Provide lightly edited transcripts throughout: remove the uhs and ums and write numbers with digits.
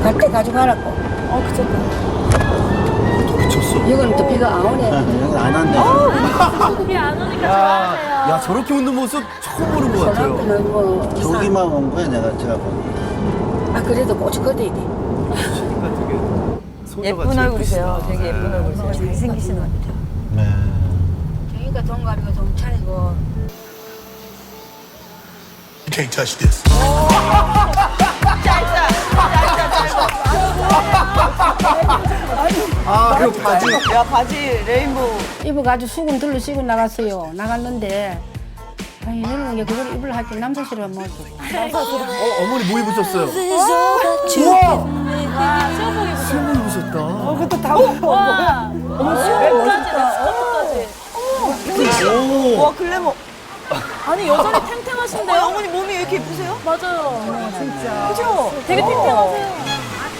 갈 때 가져가라고. 그쳤다. 미쳤어. 이건 또 비가 안 오네. 여기 안 한대. 비 안 오니까 좋아하세요. 야, 저렇게 웃는 모습 처음 보는 것 같아요. 소나무는 뭐 저기만 온 거야, 제가 보니. 아 그래도 꽃이 걷어야 돼. 예쁜 얼굴이세요. 되게 예쁜 얼굴이세요. 잘생기신 것 같아요. 네. 저희가 돈 가지고 돈 차리고. You can't touch this. 아, 그리고 바지. 야, 바지 레인보우. 입어가지고 수건 들러 씌고 나갔어요. 나갔는데 아니 이런 게 그걸 입을 할게 남자 싫어 뭐지. 어머니 뭐 입으셨어요? 와, 수영복 입으세요. 수영복 입으셨다. 그것도 다 보여. 와, 수영복까지, 스커트까지. 와, 글래머. 아니, 여전히 탱탱하신데요? 어머니 몸이 왜 이렇게 예쁘세요? 맞아요. 진짜. 그죠? 되게 탱탱하세요.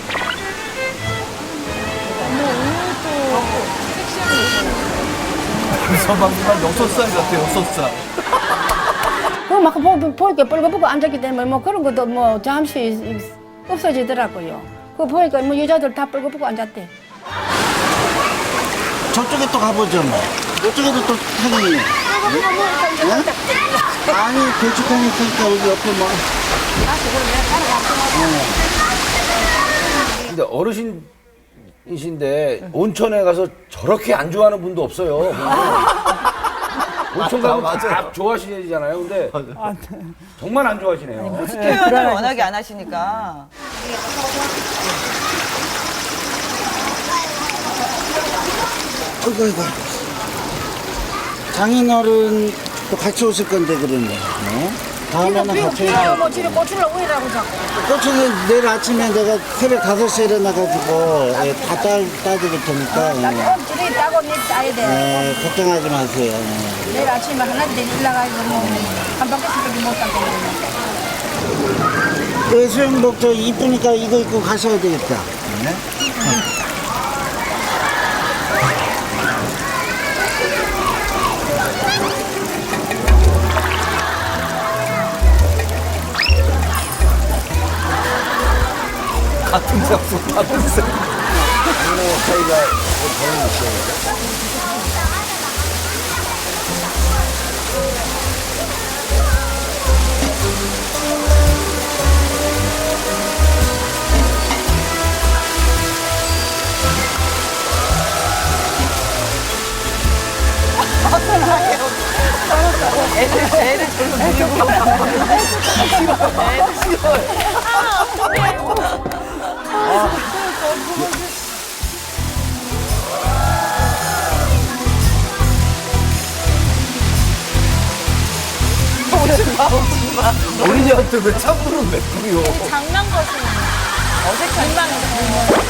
서방만 6살 같아요, 6살. 그막 보니까 뻘거벗고 앉았기 때문에 뭐 그런 것도 뭐 잠시 없어지더라고요. 그거 보니까 뭐 여자들 다 뻘거벗고 앉았대. 저쪽에 또 가보죠, 뭐. 저쪽에도 또 타기. 네? 아니, 대축하니 있으니까 여기 옆에 뭐. 근데 어르신이신데 온천에 가서 저렇게 안 좋아하는 분도 없어요. 온천 가면 맞아요. 다 좋아하시잖아요. 근데 정말 안 좋아하시네요. 표현을 워낙에 안 하시니까. 아이고. 장인어른도 같이 오실 건데, 그러네. 네? 다음에는 같이 비가 뭐 집에 고추를 오이라고 자꾸. 고추는 내일 아침에 내가 새벽 5시에 일어나가지고 다 따드릴 테니까 나도 집에 따고 내 따야 돼. 걱정하지 마세요. 내일 아침에 하나도 일 나가지고 뭐한 바퀴씩밖에 못 따고. 그 수영복 저 이쁘니까 이거 입고 가셔야 되겠다. 네? 같은 색소, 같은 색. 애들 별로 모르고. 어린이한테 왜 참고로 맵고요? 장난 것은 어색한 민망해서.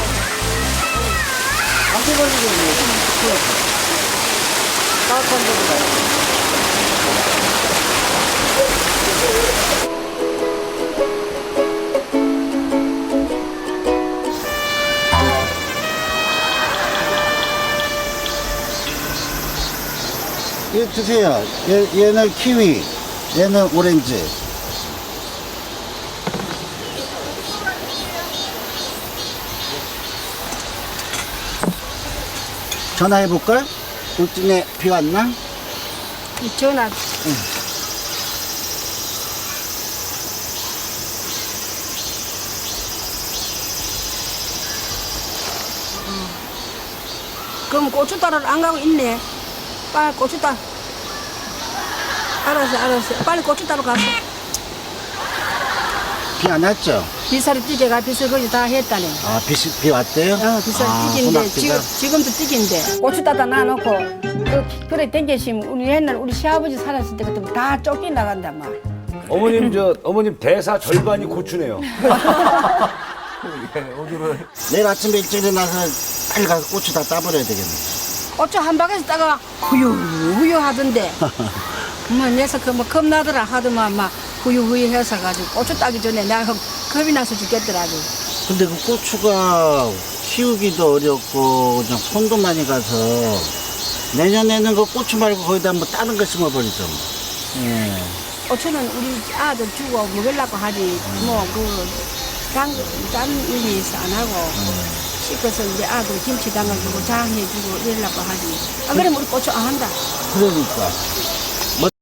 이거 드세요. 얘는 키위, 얘는 오렌지. 전화해볼걸? 울진에 비 왔나? 전화. 그럼 고추 따러 안 가고 있네. 빨리 고추 따. 알았어. 빨리 고추 따러 가서. 비 안 왔죠? 비살이 뛰게가 비살 거기 다 했다네. 아, 비 왔대요? 비살 아, 뛰긴데 소낙비가? 지금도 뛰긴데 고추 따다 놔놓고 그래 땡겨시면 우리 옛날 우리 시아버지 살았을 때 그때 다 쫓겨 나간다 막. 어머님 대사 절반이 고추네요. 내일 아침에 일찍 일어나서 빨리 가서 고추 다 따버려야 되겠네. 고추 한 바퀴에서 따가 후유 하던데. 뭐 녀석 그뭐 겁나더라 하더만 막 후유 해서 가지고 고추 따기 전에 내가 겁이 나서 죽겠더라고. 근데 그 고추가 키우기도 어렵고 그냥 손도 많이 가서 내년에는 그 고추 말고 거기다 뭐 다른 거 심어버리죠. 예. 고추는 우리 아들 주고 먹으려고 하지 뭐 그 짠 일이 있어 안 하고 씻어서 이제 아들 김치 담아주고 장 해주고 이러려고 하지. 안 그러면 우리 고추 안 한다. 그러니까